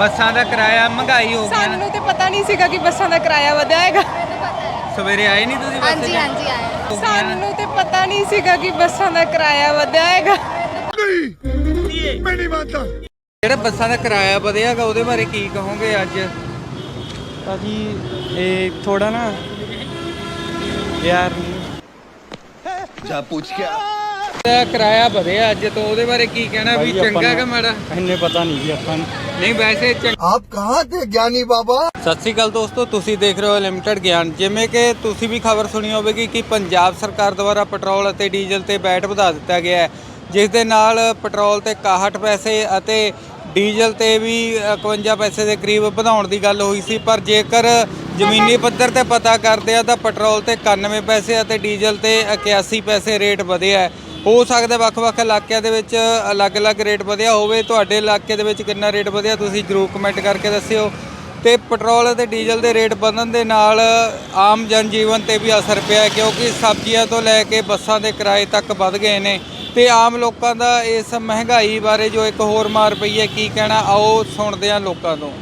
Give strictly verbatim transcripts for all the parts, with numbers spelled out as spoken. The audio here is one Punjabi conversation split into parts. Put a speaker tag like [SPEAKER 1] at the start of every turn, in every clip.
[SPEAKER 1] ਬੱਸਾਂ ਦਾ ਕਿਰਾਇਆ ਮਹਿੰਗਾਈ ਹੋ ਗਈ ਨਾ।
[SPEAKER 2] ਸਾਨੂੰ ਤੇ ਪਤਾ ਨਹੀਂ ਸੀਗਾ ਕਿ ਬੱਸਾਂ ਦਾ ਕਿਰਾਇਆ ਵਧਿਆ ਹੈਗਾ।
[SPEAKER 1] ਸਵੇਰੇ ਆਏ ਨਹੀਂ ਤੁਸੀਂ ਬੱਸ
[SPEAKER 3] ਹਾਂਜੀ
[SPEAKER 1] ਤੇ?
[SPEAKER 3] ਹਾਂਜੀ ਆਇਆ।
[SPEAKER 2] ਸਾਨੂੰ ਤੇ ਪਤਾ ਨਹੀਂ ਸੀਗਾ ਕਿ ਬੱਸਾਂ ਦਾ ਕਿਰਾਇਆ ਵਧਿਆ ਹੈਗਾ।
[SPEAKER 4] ਮੈਂ ਨਹੀਂ ਮੰਨਦਾ।
[SPEAKER 1] ਜਿਹੜਾ ਬੱਸਾਂ ਦਾ ਕਿਰਾਇਆ ਵਧਿਆਗਾ ਉਹਦੇ ਬਾਰੇ ਕੀ ਕਹੋਗੇ ਅੱਜ?
[SPEAKER 5] ਭਾਜੀ ਇਹ ਥੋੜਾ ਨਾ ਯਾਰ
[SPEAKER 4] ਜਾ ਪੁੱਛ ਕੇ
[SPEAKER 1] ਜਿਹੜਾ ਕਿਰਾਇਆ ਵਧਿਆ ਅੱਜ ਤੋਂ ਉਹਦੇ ਬਾਰੇ ਕੀ ਕਹਿਣਾ ਵੀ ਚੰਗਾ ਕਿ ਮਾੜਾ?
[SPEAKER 5] ਇੰਨੇ ਪਤਾ ਨਹੀਂ ਜੀ ਆਪਾਂ ਨੂੰ।
[SPEAKER 1] ਨਹੀਂ ਵੈਸੇ ਚੰਗਾ।
[SPEAKER 4] ਆਪ ਕਹਾਂ ਥੇ ਗਿਆਨੀ ਬਾਬਾ।
[SPEAKER 1] ਸਤਿ ਸ਼੍ਰੀ ਅਕਾਲ ਦੋਸਤੋ, ਤੁਸੀਂ ਦੇਖ ਰਹੇ ਹੋ ਲਿਮਟਿਡ ਗਿਆਨ। ਜਿਵੇਂ ਕਿ ਤੁਸੀਂ ਵੀ ਖਬਰ ਸੁਣੀ ਹੋਵੇਗੀ ਕਿ ਪੰਜਾਬ ਸਰਕਾਰ ਦੁਆਰਾ ਪੈਟਰੋਲ ਅਤੇ ਡੀਜ਼ਲ ਤੇ ਵੈਟ ਵਧਾ ਦਿੱਤਾ ਗਿਆ ਹੈ, ਜਿਸ ਦੇ ਨਾਲ ਪੈਟਰੋਲ ਤੇ ਇਕਾਹਠ ਪੈਸੇ ਅਤੇ ਡੀਜ਼ਲ ਤੇ ਵੀ ਇਕਵੰਜਾ ਪੈਸੇ ਦੇ ਕਰੀਬ ਵਧਾਉਣ ਦੀ ਗੱਲ ਹੋਈ ਸੀ। ਪਰ ਜੇਕਰ ਜ਼ਮੀਨੀ ਪੱਧਰ ਤੇ ਪਤਾ ਕਰਦੇ ਆ ਤਾਂ ਪੈਟਰੋਲ ਤੇ ਇਕਾਨਵੇਂ ਪੈਸੇ ਅਤੇ ਡੀਜ਼ਲ ਤੇ ਇਕਿਆਸੀ ਪੈਸੇ ਰੇਟ ਵਧਿਆ ਹੈ। ਹੋ ਸਕਦਾ ਵੱਖ-ਵੱਖ ਇਲਾਕਿਆਂ ਦੇ ਵਿੱਚ ਅਲੱਗ-ਅਲੱਗ ਰੇਟ ਵਧਿਆ ਹੋਵੇ। ਤੁਹਾਡੇ ਇਲਾਕੇ ਦੇ ਵਿੱਚ ਕਿੰਨਾ ਰੇਟ ਵਧਿਆ ਤੁਸੀਂ ਜ਼ਰੂਰ ਕਮੈਂਟ ਕਰਕੇ ਦੱਸਿਓ। ਤੇ ਪੈਟਰੋਲ ਅਤੇ ਡੀਜ਼ਲ ਦੇ ਰੇਟ ਵਧਣ ਦੇ ਨਾਲ ਆਮ ਜਨ ਜੀਵਨ ਤੇ ਵੀ ਅਸਰ ਪਿਆ, ਕਿਉਂਕਿ ਸਬਜ਼ੀਆਂ ਤੋਂ ਲੈ ਕੇ ਬੱਸਾਂ ਦੇ ਕਿਰਾਏ ਤੱਕ ਵੱਧ ਗਏ ਨੇ। ਤੇ ਆਮ ਲੋਕਾਂ ਦਾ ਇਸ ਮਹਿੰਗਾਈ ਬਾਰੇ ਜੋ ਇੱਕ ਹੋਰ ਮਾਰ ਪਈ ਹੈ, ਕੀ ਕਹਿਣਾ ਆਓ ਸੁਣਦੇ ਹਾਂ ਲੋਕਾਂ ਤੋਂ।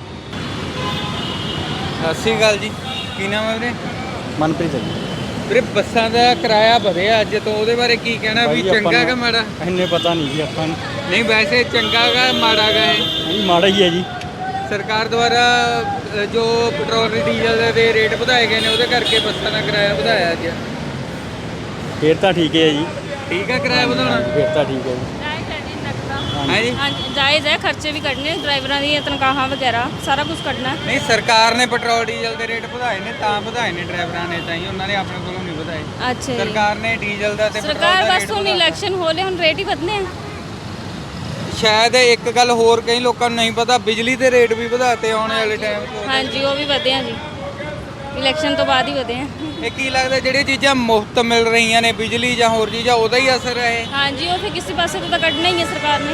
[SPEAKER 1] ਸਤਿ ਸ਼੍ਰੀ ਅਕਾਲ ਜੀ, ਕੀ ਨਾਮ ਹੈ ਵੀਰੇ?
[SPEAKER 5] ਮਨਪ੍ਰੀਤ ਜੀ।
[SPEAKER 1] ਵੀਰੇ ਬੱਸਾਂ ਦਾ ਕਿਰਾਇਆ ਵਧਿਆ ਅੱਜ ਤੋਂ, ਉਹਦੇ ਬਾਰੇ ਕੀ ਕਹਿਣਾ ਵੀ ਚੰਗਾ ਕਿ ਮਾੜਾ?
[SPEAKER 5] ਇੰਨੇ ਪਤਾ ਨਹੀਂ ਜੀ ਆਪਾਂ ਨੂੰ।
[SPEAKER 1] ਨਹੀਂ ਵੈਸੇ ਚੰਗਾ ਗਾ ਮਾੜਾ ਗਾ ਇਹ?
[SPEAKER 5] ਨਹੀਂ ਮਾੜਾ ਹੀ ਹੈ ਜੀ।
[SPEAKER 1] ਸਰਕਾਰ ਦੁਆਰਾ ਜੋ ਪੈਟਰੋਲ ਤੇ ਡੀਜ਼ਲ ਦੇ ਰੇਟ ਵਧਾਏ ਗਏ ਨੇ ਉਹਦੇ ਕਰਕੇ ਬੱਸਾਂ ਦਾ ਕਿਰਾਇਆ ਵਧਾਇਆ ਅੱਜ।
[SPEAKER 5] ਫੇਰ ਤਾਂ ਠੀਕ ਹੈ ਜੀ।
[SPEAKER 1] ਠੀਕ ਹੈ ਕਿਰਾਇਆ ਵਧਾਉਣਾ?
[SPEAKER 5] ਫੇਰ ਤਾਂ ਠੀਕ ਹੈ ਜੀ।
[SPEAKER 1] ਹੈ ਜੀ।
[SPEAKER 6] ਹਾਂਜੀ ਜਾਇਜ਼ ਹੈ, ਖਰਚੇ ਵੀ ਕੱਢਣੇ ਡਰਾਈਵਰਾਂ ਦੀਆਂ ਤਨਖਾਹਾਂ ਵਗੈਰਾ ਸਾਰਾ ਕੁਝ ਕੱਢਣਾ।
[SPEAKER 1] ਨਹੀਂ ਸਰਕਾਰ ਨੇ ਪੈਟਰੋਲ ਡੀਜ਼ਲ ਦੇ ਰੇਟ ਵਧਾਏ ਨੇ ਤਾਂ ਵਧਾਏ ਨੇ, ਡਰਾਈਵਰਾਂ ਨੇ ਤਾਂ ਹੀ, ਉਹਨਾਂ ਨੇ ਆਪਣੇ ਕੋਲੋਂ ਨਹੀਂ ਵਧਾਏ।
[SPEAKER 6] ਅੱਛਾ ਜੀ।
[SPEAKER 1] ਸਰਕਾਰ ਨੇ ਡੀਜ਼ਲ ਦਾ ਤੇ ਪੈਟਰੋਲ
[SPEAKER 6] ਸਰਕਾਰ
[SPEAKER 1] ਦਾ
[SPEAKER 6] ਬਸ
[SPEAKER 1] ਰੇਟ
[SPEAKER 6] ਹੁਣ
[SPEAKER 1] ਵਧਾਇਆ।
[SPEAKER 6] ਇਲੈਕਸ਼ਨ ਹੋ ਲਏ, ਹੁਣ ਰੇਟ ਹੀ ਵਧਨੇ ਆ।
[SPEAKER 1] ਸ਼ਾਇਦ ਇੱਕ ਗੱਲ ਹੋਰ ਕਈ ਲੋਕਾਂ ਨੂੰ ਨਹੀਂ ਪਤਾ, ਬਿਜਲੀ ਦੇ ਰੇਟ ਵੀ ਵਧਾਤੇ ਆਉਣ ਵਾਲੇ ਟਾਈਮ 'ਚ।
[SPEAKER 6] ਹਾਂਜੀ ਉਹ ਵੀ ਵਧੇ ਆ ਜੀ, ਇਲੈਕਸ਼ਨ ਤੋਂ ਬਾਅਦ ਹੀ ਵਧੇ ਆ।
[SPEAKER 1] ਇਹ ਕੀ ਲੱਗਦਾ ਜਿਹੜੀਆਂ ਚੀਜ਼ਾਂ ਮੁਫਤ ਮਿਲ ਰਹੀਆਂ ਨੇ, ਬਿਜਲੀ ਜਾਂ ਹੋਰ ਚੀਜ਼ਾਂ, ਉਹਦਾ ਹੀ ਅਸਰ ਹੈ ਇਹ?
[SPEAKER 6] ਹਾਂਜੀ ਉਹ ਫਿਰ ਕਿਸੇ ਪਾਸੇ ਤੋਂ ਤਾਂ ਕੱਢਣਾ ਹੀ ਹੈ ਸਰਕਾਰ ਨੇ।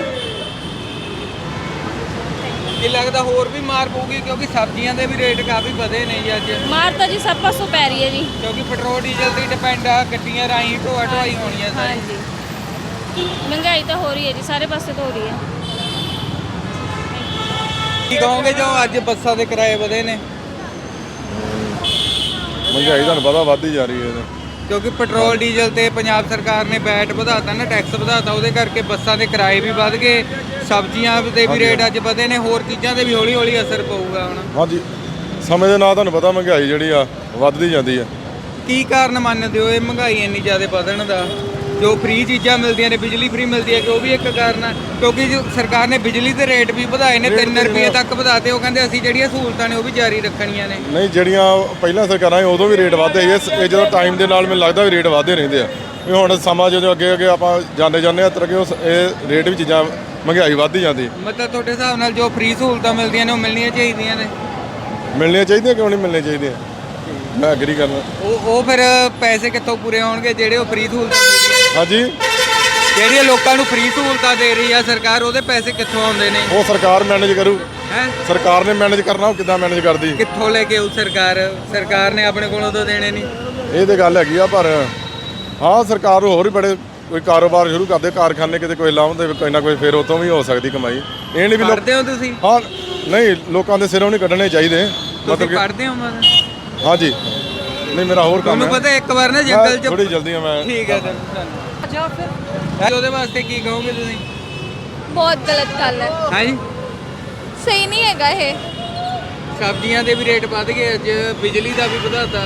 [SPEAKER 1] ਕੀ ਲੱਗਦਾ ਹੋਰ ਵੀ ਮਾਰ ਪਊਗੀ, ਕਿਉਂਕਿ ਸਬਜ਼ੀਆਂ ਦੇ ਵੀ ਰੇਟ ਕਾਫੀ ਵਧੇ ਨੇ ਜੀ ਅੱਜ?
[SPEAKER 6] ਮਾਰ ਤਾਂ ਜੀ ਸਭ ਪਾਸੋਂ ਪੈ ਰਹੀ ਹੈ ਜੀ।
[SPEAKER 1] ਕਿਉਂਕਿ ਪੈਟਰੋਲ ਡੀਜ਼ਲ ਤੇ ਡਿਪੈਂਡ ਆ, ਗੱਡੀਆਂ ਰਾਹੀਂ ਢੋਆ ਢੋਆਈ ਹੋਣੀ ਆ ਸਾਰੀ।
[SPEAKER 6] ਹਾਂਜੀ ਮਹਿੰਗਾਈ ਤਾਂ ਹੋ ਰਹੀ ਹੈ ਜੀ, ਸਾਰੇ ਪਾਸੇ ਤੋਂ ਹੋ ਰਹੀ ਹੈ।
[SPEAKER 1] ਕੀ ਕਹੋਗੇ ਜੋ ਅੱਜ ਬੱਸਾਂ ਦੇ ਕਿਰਾਏ ਵਧੇ ਨੇ?
[SPEAKER 7] ਮਹਿੰਗਾਈ ਤੁਹਾਨੂੰ ਪਤਾ ਵੱਧਦੀ ਜਾ ਰਹੀ ਹੈ।
[SPEAKER 1] ਕਿਉਂਕਿ ਪੈਟਰੋਲ ਡੀਜ਼ਲ ਤੇ ਪੰਜਾਬ ਸਰਕਾਰ ਨੇ ਵੈਟ ਵਧਾਤਾ ਨਾ, ਟੈਕਸ ਵਧਾਤਾ, ਉਹਦੇ ਕਰਕੇ ਬੱਸਾਂ ਦੇ ਕਿਰਾਏ ਵੀ ਵੱਧ ਗਏ, ਸਬਜ਼ੀਆਂ ਦੇ ਵੀ ਰੇਟ ਅੱਜ ਵਧੇ ਨੇ, ਹੋਰ ਚੀਜ਼ਾਂ ਤੇ ਵੀ ਹੌਲੀ ਹੌਲੀ ਅਸਰ ਪਊਗਾ ਹੁਣ।
[SPEAKER 7] ਹਾਂਜੀ ਸਮੇਂ ਦੇ ਨਾਲ ਤੁਹਾਨੂੰ ਪਤਾ ਮਹਿੰਗਾਈ ਜਿਹੜੀ ਆ ਵੱਧਦੀ ਜਾਂਦੀ ਆ।
[SPEAKER 1] ਕੀ ਕਾਰਨ ਮੰਨਦੇ ਹੋ ਇਹ ਮਹਿੰਗਾਈ ਇੰਨੀ ਜ਼ਿਆਦਾ ਵਧਣ ਦਾ? ਜੋ ਫ੍ਰੀ ਚੀਜ਼ਾਂ ਮਿਲਦੀਆਂ ਨੇ, ਬਿਜਲੀ ਫ੍ਰੀ ਮਿਲਦੀ ਹੈ, ਕਿ ਉਹ ਵੀ ਇੱਕ ਕਾਰਨ ਆ? ਕਿਉਂਕਿ ਜੋ ਸਰਕਾਰ ਨੇ ਬਿਜਲੀ ਦੇ ਰੇਟ ਵੀ ਵਧਾਏ ਨੇ, ਤਿੰਨ ਰੁਪਏ ਤੱਕ ਵਧਾਤੇ। ਉਹ ਕਹਿੰਦੇ ਅਸੀਂ ਜਿਹੜੀਆਂ ਸਹੂਲਤਾਂ ਨੇ ਉਹ ਵੀ ਜਾਰੀ ਰੱਖਣੀਆਂ ਨੇ।
[SPEAKER 7] ਨਹੀਂ ਜਿਹੜੀਆਂ ਪਹਿਲਾਂ ਸਰਕਾਰਾਂ ਸੀ ਉਦੋਂ ਵੀ ਰੇਟ ਵਧਦੇ ਸੀ, ਇਹ ਜਦੋਂ ਟਾਈਮ ਦੇ ਨਾਲ ਮੈਨੂੰ ਲੱਗਦਾ ਵੀ ਰੇਟ ਵਧਦੇ ਰਹਿੰਦੇ ਆ। ਇਹ ਹੁਣ ਸਮਾਂ ਜਦੋਂ ਅੱਗੇ ਅੱਗੇ ਆਪਾਂ ਜਾਂਦੇ ਜਾਂਦੇ ਆ ਤਰ੍ਹਾਂ ਕਿ ਇਹ ਰੇਟ ਵੀ ਚੀਜ਼ਾਂ ਮਹਿੰਗਾਈ ਵੱਧਦੀ ਜਾਂਦੀ।
[SPEAKER 1] ਮਤਲਬ ਤੁਹਾਡੇ ਹਿਸਾਬ ਨਾਲ ਜੋ ਫ੍ਰੀ ਸਹੂਲਤਾਂ ਮਿਲਦੀਆਂ ਨੇ ਉਹ ਮਿਲਣੀਆਂ ਚਾਹੀਦੀਆਂ ਨੇ?
[SPEAKER 7] ਮਿਲਣੀਆਂ ਚਾਹੀਦੀਆਂ, ਕਿਉਂ ਨਹੀਂ ਮਿਲਣੀਆਂ ਚਾਹੀਦੀਆਂ? ਮੈਂ ਐਗਰੀ ਕਰਨਾ।
[SPEAKER 1] ਉਹ ਉਹ ਫਿਰ ਪੈਸੇ ਕਿੱਥੋਂ ਪੂਰੇ ਹੋਣਗੇ ਜਿਹੜੇ ਉਹ ਫ੍ਰੀ ਸਹੂਲਤਾਂ ਮਿਲਦੀਆਂ?
[SPEAKER 7] ਹਾਂਜੀ
[SPEAKER 1] ਜਿਹੜੀਆਂ ਲੋਕਾਂ ਨੂੰ ਫ੍ਰੀ ਸਹੂਲਤਾਂ ਦੇ ਰਹੀ ਆ ਸਰਕਾਰ, ਉਹਦੇ ਪੈਸੇ ਕਿੱਥੋਂ ਆਉਂਦੇ ਨੇ?
[SPEAKER 7] ਉਹ ਸਰਕਾਰ ਮੈਨੇਜ ਕਰੂ।
[SPEAKER 1] ਹੈ
[SPEAKER 7] ਸਰਕਾਰ ਨੇ ਮੈਨੇਜ ਕਰਨਾ, ਉਹ ਕਿੱਦਾਂ ਮੈਨੇਜ ਕਰਦੀ?
[SPEAKER 1] ਕਿੱਥੋਂ ਲੈ ਕੇ ਆਊ ਸਰਕਾਰ? ਸਰਕਾਰ ਨੇ ਆਪਣੇ ਕੋਲੋਂ ਤਾਂ ਦੇਣੇ ਨਹੀਂ।
[SPEAKER 7] ਇਹ ਤੇ ਗੱਲ ਹੈਗੀ ਆ, ਪਰ ਹਾਂ ਸਰਕਾਰ ਹੋਰ ਵੀ ਬੜੇ ਕੋਈ ਕਾਰੋਬਾਰ ਸ਼ੁਰੂ ਕਰਦੇ, ਕਾਰਖਾਨੇ ਕਿਤੇ ਕੋਈ ਲਾਉਂਦੇ ਕੋਈ ਨਾ ਕੋਈ, ਫਿਰ ਉਹ ਤੋਂ ਵੀ ਹੋ ਸਕਦੀ ਕਮਾਈ। ਇਹ ਨਹੀਂ ਵੀ ਲੋਕ
[SPEAKER 1] ਪੜ੍ਹਦੇ ਹੋ ਤੁਸੀਂ?
[SPEAKER 7] ਹਾਂ ਨਹੀਂ ਲੋਕਾਂ ਦੇ ਸਿਰੋਂ ਨਹੀਂ ਕੱਢਣੇ ਚਾਹੀਦੇ।
[SPEAKER 1] ਤੁਸੀਂ ਪੜ੍ਹਦੇ ਹੋ ਮਤਲਬ?
[SPEAKER 7] ਹਾਂਜੀ ਨਹੀਂ ਮੇਰਾ ਹੋਰ ਕੰਮ
[SPEAKER 1] ਤੁਹਾਨੂੰ
[SPEAKER 7] ਹੈ।
[SPEAKER 1] ਪਤਾ ਇੱਕ ਵਾਰ ਨਾ ਜੰਗਲ 'ਚ
[SPEAKER 7] ਥੋੜੀ ਜਲਦੀ ਆ ਮੈਂ।
[SPEAKER 1] ਠੀਕ ਹੈ ਸਰ ਜਾਓ ਫਿਰ। ਉਹਦੇ ਵਾਸਤੇ ਕੀ ਕਹੋਗੇ ਤੁਸੀਂ?
[SPEAKER 3] ਬਹੁਤ ਗਲਤ ਗੱਲ ਹੈ,
[SPEAKER 1] ਹਾਂ ਜੀ।
[SPEAKER 3] ਸਹੀ ਨਹੀਂ ਹੈਗਾ ਇਹ।
[SPEAKER 1] ਸਬਜ਼ੀਆਂ ਦੇ ਵੀ ਰੇਟ ਵੱਧ ਗਏ ਅੱਜ, ਬਿਜਲੀ ਦਾ ਵੀ ਵਧਾਤਾ।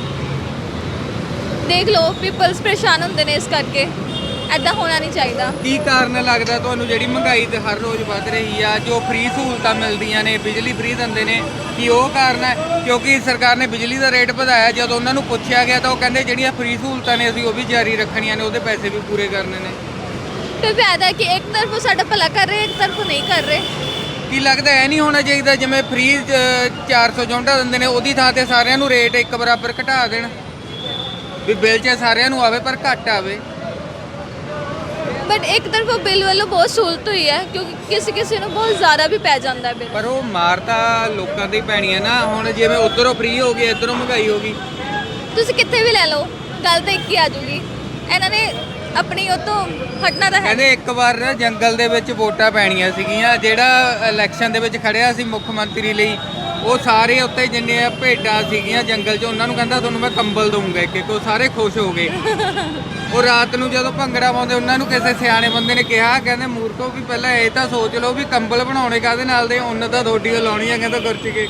[SPEAKER 3] ਦੇਖ ਲਓ ਪੀਪਲਸ ਪਰੇਸ਼ਾਨ ਹੁੰਦੇ ਨੇ ਇਸ ਕਰਕੇ, ਐਦਾਂ ਹੋਣਾ ਨਹੀਂ ਚਾਹੀਦਾ।
[SPEAKER 1] ਕੀ ਕਾਰਨ ਲੱਗਦਾ ਤੁਹਾਨੂੰ ਜਿਹੜੀ ਮਹਿੰਗਾਈ ਤੇ ਹਰ ਰੋਜ਼ ਵੱਧ ਰਹੀ ਆ? ਜੋ ਫ੍ਰੀ ਸਹੂਲਤਾਂ ਮਿਲਦੀਆਂ ਨੇ, ਬਿਜਲੀ ਫ੍ਰੀ ਦਿੰਦੇ ਨੇ, ਕੀ ਉਹ ਕਾਰਨ ਹੈ? ਕਿਉਂਕਿ ਸਰਕਾਰ ਨੇ ਬਿਜਲੀ ਦਾ ਰੇਟ ਵਧਾਇਆ, ਜਦੋਂ ਉਹਨਾਂ ਨੂੰ ਪੁੱਛਿਆ ਗਿਆ ਤਾਂ ਉਹ ਕਹਿੰਦੇ ਜਿਹੜੀਆਂ ਫ੍ਰੀ ਸਹੂਲਤਾਂ ਨੇ ਅਸੀਂ ਉਹ ਵੀ ਜਾਰੀ ਰੱਖਣੀਆਂ ਨੇ, ਉਹਦੇ ਪੈਸੇ ਵੀ ਪੂਰੇ ਕਰਨੇ ਨੇ।
[SPEAKER 3] ਤੇ ਫਾਇਦਾ ਹੈ ਕਿ ਇੱਕ ਤਰਫੋਂ ਸਾਡਾ ਭਲਾ ਕਰ ਰਹੇ, ਇੱਕ ਤਰਫੋਂ ਨਹੀਂ ਕਰ ਰਹੇ।
[SPEAKER 1] ਕੀ ਲੱਗਦਾ ਇਹ ਨਹੀਂ ਹੋਣਾ ਚਾਹੀਦਾ ਜਿਵੇਂ ਫ੍ਰੀ ਚਾਰ ਸੌ ਯੂਨਿਟਾਂ ਦਿੰਦੇ ਨੇ ਉਹਦੀ ਥਾਂ ਤੇ ਸਾਰਿਆਂ ਨੂੰ ਰੇਟ ਇੱਕ ਬਰਾਬਰ ਘਟਾ ਦੇਣ, ਵੀ ਬਿੱਲ 'ਚ ਸਾਰਿਆਂ ਨੂੰ ਆਵੇ ਪਰ ਘੱਟ ਆਵੇ?
[SPEAKER 3] ਬਟ ਇੱਕ ਤਰਫੋਂ ਬਿੱਲ ਵੱਲੋਂ ਬਹੁਤ ਸਹੂਲਤ ਹੋਈ ਹੈ, ਕਿਉਂਕਿ ਕਿਸੇ ਕਿਸੇ ਨੂੰ ਬਹੁਤ ਜ਼ਿਆਦਾ ਵੀ ਪੈ ਜਾਂਦਾ ਹੈ ਬਿੱਲ।
[SPEAKER 1] ਪਰ ਉਹ ਮਾਰ ਤਾਂ ਲੋਕਾਂ ਦੀ ਪੈਣੀ ਹੈ ਨਾ। ਹੁਣ ਜਿਵੇਂ ਉਧਰੋਂ ਫ੍ਰੀ ਹੋ ਗਈ, ਇੱਧਰੋਂ ਮਹਿੰਗਾਈ ਹੋ ਗਈ।
[SPEAKER 3] ਤੁਸੀਂ ਕਿੱਥੇ ਵੀ ਲੈ ਲਓ, ਗੱਲ ਤਾਂ ਇੱਕ ਹੀ ਆ ਜੂਗੀ। ਇਹਨਾਂ ਨੇ ਆਪਣੀ ਉਹ ਤੋਂ ਹਟਣਾ ਤਾਂ ਹੈ
[SPEAKER 1] ਕਹਿੰਦੇ ਇੱਕ ਵਾਰ ਨਾ ਜੰਗਲ ਦੇ ਵਿੱਚ ਵੋਟਾਂ ਪੈਣੀਆਂ ਸੀਗੀਆਂ, ਜਿਹੜਾ ਇਲੈਕਸ਼ਨ ਦੇ ਵਿੱਚ ਖੜਿਆ ਸੀ ਮੁੱਖ ਮੰਤਰੀ ਲਈ, ਉਹ ਸਾਰੇ ਉੱਤੇ ਜਿੰਨੇ ਭੇਡਾਂ ਸੀਗੀਆਂ ਜੰਗਲ 'ਚ ਉਹਨਾਂ ਨੂੰ ਕਹਿੰਦਾ ਤੁਹਾਨੂੰ ਮੈਂ ਕੰਬਲ ਦਊਂਗਾ ਇੱਕ ਇੱਕ, ਉਹ ਸਾਰੇ ਖੁਸ਼ ਹੋ ਗਏ। ਉਹ ਰਾਤ ਨੂੰ ਜਦੋਂ ਭੰਗੜਾ ਪਾਉਂਦੇ ਉਹਨਾਂ ਨੂੰ ਕਿਸੇ ਸਿਆਣੇ ਬੰਦੇ ਨੇ ਕਿਹਾ, ਕਹਿੰਦੇ ਮੂਰਖੋ ਵੀ ਪਹਿਲਾਂ ਇਹ ਤਾਂ ਸੋਚ ਲਓ ਵੀ ਕੰਬਲ ਬਣਾਉਣੇ ਕਾਹਦੇ ਨਾਲ ਦੇ, ਉਹਨਾਂ ਤਾਂ ਥੋੜੀ ਉਹ ਲਾਉਣੀ ਆ, ਕਹਿੰਦਾ ਗੁਰਚ ਕੇ।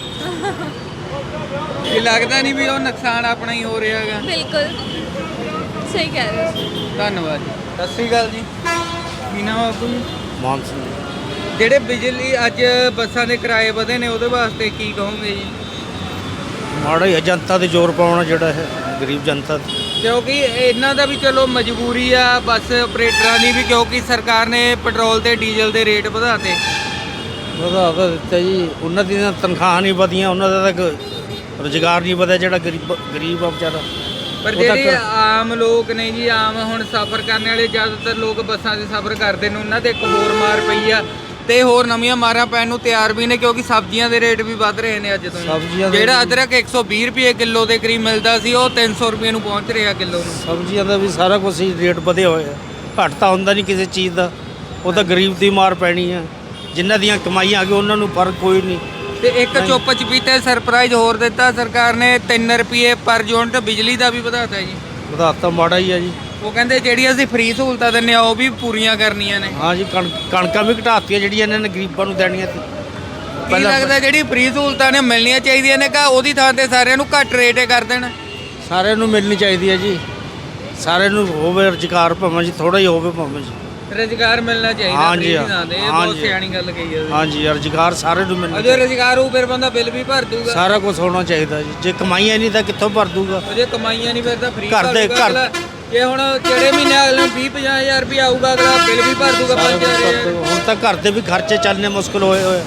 [SPEAKER 1] ਇਹ ਲੱਗਦਾ ਨਹੀਂ ਵੀ ਉਹ ਨੁਕਸਾਨ ਆਪਣਾ ਹੀ ਹੋ ਰਿਹਾ ਹੈਗਾ।
[SPEAKER 3] ਬਿਲਕੁਲ ਸਹੀ ਕਹਿ ਰਹੇ ਹੋ।
[SPEAKER 1] ਧੰਨਵਾਦ ਜੀ। ਸਤਿ ਸ਼੍ਰੀ ਅਕਾਲ ਜੀ। ਕੀ ਨਾਮ ਆ ਬਾਪੂ ਜੀ?
[SPEAKER 5] ਮਾਨ ਸਿੰਘ
[SPEAKER 1] ਜਿਹੜੇ ਬਿਜਲੀ ਅੱਜ ਬੱਸਾਂ ਦੇ ਕਿਰਾਏ ਵਧੇ ਨੇ ਉਹਦੇ ਵਾਸਤੇ ਕੀ ਕਹੋਗੇ ਜੀ?
[SPEAKER 5] ਮਾੜਾ ਹੀ ਹੈ, ਜਨਤਾ ਤੇ ਜ਼ੋਰ ਪਾਉਣਾ ਜਿਹੜਾ ਹੈ ਗਰੀਬ ਜਨਤਾ ਤੇ।
[SPEAKER 1] ਕਿਉਂਕਿ ਇਹਨਾਂ ਦਾ ਵੀ ਚਲੋ ਮਜਬੂਰੀ ਆ ਬੱਸ ਆਪਰੇਟਰਾਂ ਦੀ ਵੀ, ਕਿਉਂਕਿ ਸਰਕਾਰ ਨੇ ਪੈਟਰੋਲ ਤੇ ਡੀਜ਼ਲ ਦੇ ਰੇਟ ਵਧਾਤੇ।
[SPEAKER 5] ਵਧਾ ਤਾਂ ਦਿੱਤਾ ਜੀ, ਉਹਨਾਂ ਦੀਆਂ ਤਨਖਾਹਾਂ ਨਹੀਂ ਵਧੀਆਂ, ਉਹਨਾਂ ਦਾ ਤਾਂ ਰੁਜ਼ਗਾਰ ਨਹੀਂ ਵਧਿਆ, ਜਿਹੜਾ ਗਰੀਬ ਗਰੀਬ ਆ ਵਿਚਾਰਾ।
[SPEAKER 1] ਪਰ
[SPEAKER 5] ਉਹ ਤਾਂ
[SPEAKER 1] ਜਿਹੜੇ
[SPEAKER 5] ਕਰ-
[SPEAKER 1] ਆਮ ਲੋਕ ਨੇ ਜੀ, ਆਮ ਹੁਣ ਸਫ਼ਰ ਕਰਨ ਵਾਲੇ ਜ਼ਿਆਦਾਤਰ ਲੋਕ ਬੱਸਾਂ 'ਚ ਸਫ਼ਰ ਕਰਦੇ ਨੇ, ਉਹਨਾਂ ਤੇ ਇੱਕ ਹੋਰ ਮਾਰ ਪਈ ਆ ਤੇ ਹੋਰ ਨਵੀਆਂ ਮਾਰਾਂ ਪੈਣ ਨੂੰ ਤਿਆਰ ਵੀ ਨੇ, ਕਿਉਂਕਿ ਸਬਜ਼ੀਆਂ ਦੇ ਰੇਟ ਵੀ ਵੱਧ ਰਹੇ ਨੇ ਅੱਜ ਤੋਂ ਹੀ।
[SPEAKER 5] ਸਬਜ਼ੀਆਂ ਦੇ
[SPEAKER 1] ਜਿਹੜਾ
[SPEAKER 5] ਵੀ-
[SPEAKER 1] ਅਦਰਕ ਇੱਕ ਸੌ ਵੀਹ ਰੁਪਏ ਕਿਲੋ ਦੇ ਕਰੀਬ ਮਿਲਦਾ ਸੀ, ਉਹ ਤਿੰਨ ਸੌ ਰੁਪਏ ਨੂੰ ਪਹੁੰਚ ਰਿਹਾ ਕਿਲੋ ਨੂੰ।
[SPEAKER 5] ਸਬਜ਼ੀਆਂ ਦਾ ਵੀ ਸਾਰਾ ਕੁਝ ਹੀ ਰੇਟ ਵਧੇ ਹੋਏ ਆ, ਘੱਟ ਤਾਂ ਹੁੰਦਾ ਨਹੀਂ ਕਿਸੇ ਚੀਜ਼ ਦਾ, ਉਹ ਤਾਂ ਗਰੀਬ ਦੀ ਮਾਰ ਪੈਣੀ ਆ। ਜਿਨ੍ਹਾਂ ਦੀਆਂ ਕਮਾਈਆਂ ਆ ਗਈਆਂ ਉਹਨਾਂ ਨੂੰ ਫਰਕ ਕੋਈ ਨਹੀਂ।
[SPEAKER 1] ਤੇ ਇੱਕ ਚੁੱਪ ਚਪੀਤੇ ਸਰਪ੍ਰਾਈਜ਼ ਹੋਰ ਦਿੱਤਾ ਸਰਕਾਰ ਨੇ, ਤਿੰਨ ਰੁਪਏ ਪਰ ਯੂਨਿਟ ਬਿਜਲੀ ਦਾ ਵੀ ਵਧਾਤਾ ਜੀ।
[SPEAKER 5] ਵਧਾਤਾ ਮਾੜਾ ਹੀ ਆ ਜੀ।
[SPEAKER 1] ਉਹ ਕਹਿੰਦੇ ਜਿਹੜੀ ਅਸੀਂ ਫ੍ਰੀ ਸਹੂਲਤਾਂ ਦਿੰਨੇ ਆ ਉਹ ਵੀ ਪੂਰੀਆਂ ਕਰਨੀਆਂ ਨੇ।
[SPEAKER 5] ਹਾਂ ਜੀ, ਕਣ ਕਣਕਾਂ ਵੀ ਘਟਾਤੀਆਂ ਜਿਹੜੀਆਂ ਇਹਨਾਂ ਨੇ ਗਰੀਬਾਂ ਨੂੰ ਦੇਣੀਆਂ ਸੀ।
[SPEAKER 1] ਕੀ ਲੱਗਦਾ ਜਿਹੜੀ ਫ੍ਰੀ ਸਹੂਲਤਾਂ ਨੇ ਮਿਲਣੀਆਂ ਚਾਹੀਦੀਆਂ ਨੇ, ਕਾ ਉਹਦੀ ਥਾਂ ਤੇ ਸਾਰਿਆਂ ਨੂੰ ਘੱਟ ਰੇਟ ਕਰ ਦੇਣ?
[SPEAKER 5] ਸਾਰਿਆਂ ਨੂੰ ਮਿਲਣੀ ਚਾਹੀਦੀ ਹੈ ਜੀ, ਸਾਰਿਆਂ ਨੂੰ ਹੋਵੇ ਰੁਜ਼ਗਾਰ, ਭਾਵੇਂ ਜੀ ਥੋੜਾ ਹੀ ਹੋਵੇ, ਭਾਵੇਂ ਜੀ।
[SPEAKER 1] ਰੁਜ਼ਗਾਰ ਮਿਲਣਾ ਚਾਹੀਦਾ
[SPEAKER 5] ਹਾਂਜੀ,
[SPEAKER 1] free ਦੀ ਥਾਂ ਤੇ। ਇਹ ਬਹੁਤ
[SPEAKER 5] ਹਾਂਜੀ।
[SPEAKER 1] ਸਿਆਣੀ ਗੱਲ ਕਹੀ ਹੈ।
[SPEAKER 5] ਹਾਂ ਜੀ, ਰੁਜ਼ਗਾਰ ਸਾਰਿਆਂ ਨੂੰ ਮਿਲਣਾ
[SPEAKER 1] ਜੇ ਰੁਜ਼ਗਾਰ ਹੋਊ ਫਿਰ ਬੰਦਾ ਬਿੱਲ ਵੀ ਭਰ ਦੂਗਾ।
[SPEAKER 5] ਸਾਰਾ ਕੁਝ ਹੋਣਾ ਚਾਹੀਦਾ ਜੀ। ਜੇ ਕਮਾਈਆਂ ਨਹੀਂ ਤਾਂ ਕਿੱਥੋਂ ਭਰ ਦੂਗਾ?
[SPEAKER 1] ਜੇ ਕਮਾਈਆਂ ਨਹੀਂ ਫਿਰ ਤਾਂ ਫ੍ਰੀ
[SPEAKER 5] ਘਰ ਦੇ- ਘਰ-
[SPEAKER 1] ਜੇ ਹੁਣ ਜਿਹੜੇ ਮਹੀਨੇ ਅਗਲੇ ਨੂੰ ਵੀਹ ਪੰਜਾਹ ਹਜ਼ਾਰ ਰੁਪਏ ਆਊਗਾ, ਅਗਲਾ ਬਿੱਲ ਵੀ ਭਰ ਦੂਗਾ
[SPEAKER 5] ਸਾਰਾ
[SPEAKER 1] ਪੰਜ
[SPEAKER 5] ਕੁਛ
[SPEAKER 1] ਹਜ਼ਾਰ।
[SPEAKER 5] ਭਰ ਦੂਗਾ। ਹੁਣ ਤਾਂ ਘਰ ਦੇ ਵੀ ਖਰਚੇ ਚੱਲਣੇ ਮੁਸ਼ਕਲ ਹੋਏ ਹੋਏ,